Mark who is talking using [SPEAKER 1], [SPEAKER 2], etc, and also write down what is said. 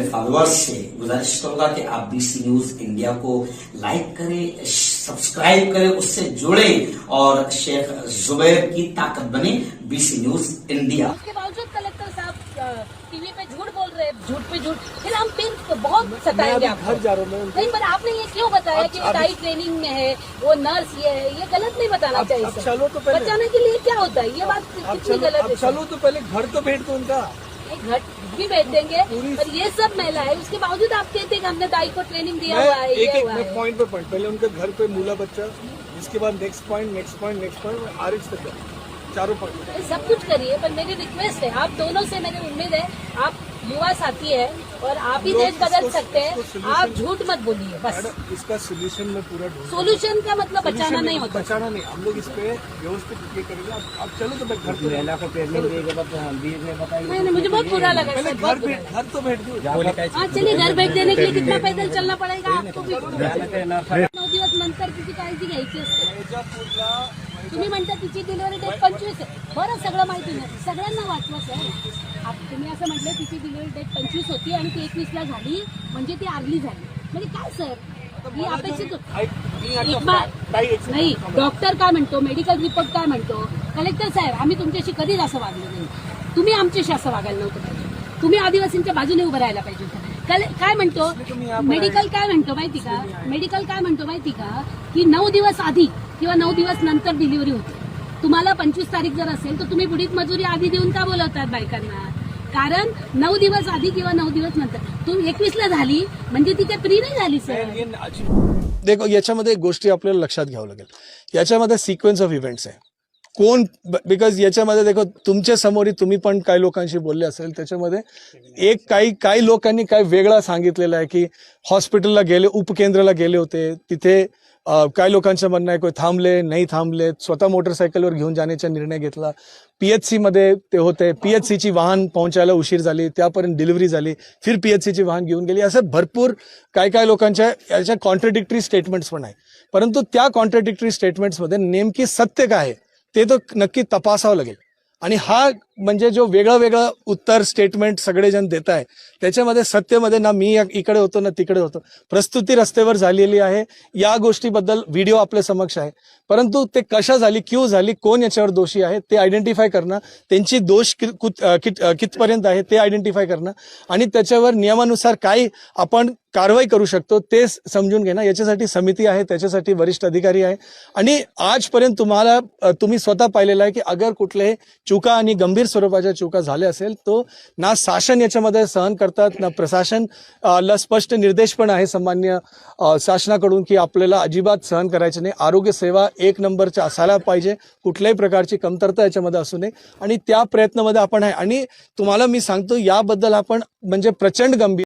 [SPEAKER 1] Followers से गुजारिश करूंगा कि आप बीसी न्यूज इंडिया को लाइक करें, सब्सक्राइब करें, उससे जुड़े और शेख जुबैर की ताकत बने बीसी न्यूज इंडिया।
[SPEAKER 2] उसके बावजूद कलेक्टर साहब टीवी पे झूठ बोल रहे हैं, झूठ पे झूठ, फिर हम फिर बहुत सताएंगे आपको।
[SPEAKER 3] घर जा रहा हूँ
[SPEAKER 2] नहीं, पर आपने ये क्यों बताया कि टाई ट्रेनिंग में है, वो नर्स ये है, ये गलत नहीं बताना चाहिए
[SPEAKER 3] अब
[SPEAKER 2] सर।
[SPEAKER 3] चलो तो पहले
[SPEAKER 2] बचाने के लिए क्या होता है, ये बात कितनी गलत है।
[SPEAKER 3] चलो तो पहले घर तो भेज दो उनका।
[SPEAKER 2] घर भी भेज देंगे, पर ये सब महिला है, उसके बावजूद आप कहते हैं कि हमने दाई को ट्रेनिंग दिया हुआ है, ये हुआ है।
[SPEAKER 3] पॉइंट पे पॉइंट, पहले उनके घर पे मूला बच्चा, इसके बाद नेक्स्ट पॉइंट आरएक्स तक चारों पॉइंट
[SPEAKER 2] सब कुछ करिए, पर मेरी रिक्वेस्ट है आप दोनों से, मेरी उम्मीद है आप युवा साथी है और आप ही देश बदल सकते हैं, आप झूठ मत बोलिए बस।
[SPEAKER 3] इसका सोल्यूशन में पूरा
[SPEAKER 2] सोल्यूशन का मतलब बचाना नहीं होता,
[SPEAKER 3] बचाना नहीं, हम लोग इस पे व्यवस्थित ये करेंगे। आप चलो तो मैं घर पे
[SPEAKER 2] नहीं, मुझे बहुत बुरा लगा
[SPEAKER 3] पहले
[SPEAKER 2] सर, बहुत बुरा
[SPEAKER 3] घर तो भेज दो।
[SPEAKER 2] हाँ चलिए, घर भेज देने के लिए कितना पैदल चलना पड़ेगा आपको भी। 9 दिवस नंतर किती काळजी घ्यायची असते। तुम्ही म्हणता तिची डिलिव्हरी डेट 25 आहे, बरं सगळं माहिती नाही, सगळ्यांना वाचवा सर। तुम्ही असं म्हटलं तिची डिलिव्हरी डेट 25 होती आणि ती 21ला झाली, म्हणजे ती आर्ली झाली, म्हणजे काय सर ही अपेक्षित नाही। डॉक्टर काय म्हणतो, मेडिकल रिपोर्ट काय म्हणतो, कलेक्टर साहेब आम्ही तुमच्याशी कधीच असं वागलो नाही, तुम्ही आमच्याशी असं वागायला नव्हतं पाहिजे, तुम्ही आदिवासींच्या बाजूने उभं राहायला पाहिजे होतं। काय म्हणतो मेडिकल, काय म्हणतो माहिती का, मेडिकल काय म्हणतो माहिती का, की 9 दिवस आधी किंवा 9 दिवस नंतर डिलिव्हरी होते। तुम्हाला 25 तारीख जर असेल तर तुम्ही बुडीत मजुरी आधी देऊन का बोलवतात बायकांना, कारण 9 दिवस आधी किंवा 9 दिवस नंतर। तुम्ही 21ला झाली म्हणजे ती काही फ्री नाही झाली सर।
[SPEAKER 4] देखो, याच्यामध्ये एक गोष्टी आपल्याला लक्षात घ्यावं लागेल, याच्यामध्ये सिक्वेन्स ऑफ इव्हेंट्स आहे, कोण, बिकॉज याच्यामध्ये देखो तुमच्या समोर तुम्ही पण काही लोकांशी बोलले असेल, त्याच्यामध्ये एक काही लोकांनी काय वेगळा सांगितलेलं आहे की हॉस्पिटलला गेले, उपकेंद्राला गेले होते, तिथे काही लोकांचं म्हणणं आहे कोण थांबले नाही थांबले, स्वतः मोटरसायकलवर घेऊन जाण्याचा निर्णय घेतला, पीएचसी मध्ये ते होते, पीएचसीची वाहन पोहोचायला उशीर झाली, त्यापर्यंत डिलिव्हरी झाली, फिर पीएचसीची वाहन घेऊन गेली, असं भरपूर काय लोकांच्या याच्या कॉन्ट्रडिक्टरी स्टेटमेंट्स पण आहे। परंतु त्या कॉन्ट्रडिक्टरी स्टेटमेंट्समध्ये नेमकी सत्य काय आहे ते तर नक्की तपासावं लागेल। आणि हा म्हणजे जो वेगळं उत्तर स्टेटमेंट सगळेजण देत आहे, त्याच्यामध्ये सत्यमध्ये ना मी इकडे होतो ना तिकडे होतो, प्रस्तुती रस्त्यावर झालेली आहे, या गोष्टीबद्दल व्हिडिओ आपल्या समक्ष आहे, परंतु ते कशा झाली, क्यों झाली, कोण याच्यावर दोषी आहे ते आयडेंटिफाय करणं, त्यांची दोष कितपर्यंत आहे ते आयडेंटिफाय करणं आणि त्याच्यावर नियमानुसार काय आपण कारवाई करू शकतो ते समजून घेणं, याच्यासाठी समिती आहे, त्याच्यासाठी वरिष्ठ अधिकारी आहे। आणि आजपर्यंत तुम्ही स्वतः पाहिलेलं आहे की अगर कुठल्याही चुका आणि गंभीर स्वरूपाच्या चुका झाल्या असेल तो ना शासन याच्यामध्ये सहन करतात, ना प्रशासन ला स्पष्ट निर्देश पण आहे सामान्य शासनाकडून की आपल्याला अजिबात सहन करायचे नाही, आरोग्य सेवा 1 नंबरच्या असायला पाहिजे, कुठल्याही प्रकारची कमतरता याच्यामध्ये असू नये, आणि त्या प्रयत्नामध्ये आपण आहे। आणि तुम्हाला मी सांगतो याबद्दल आपण म्हणजे प्रचंड गंभीर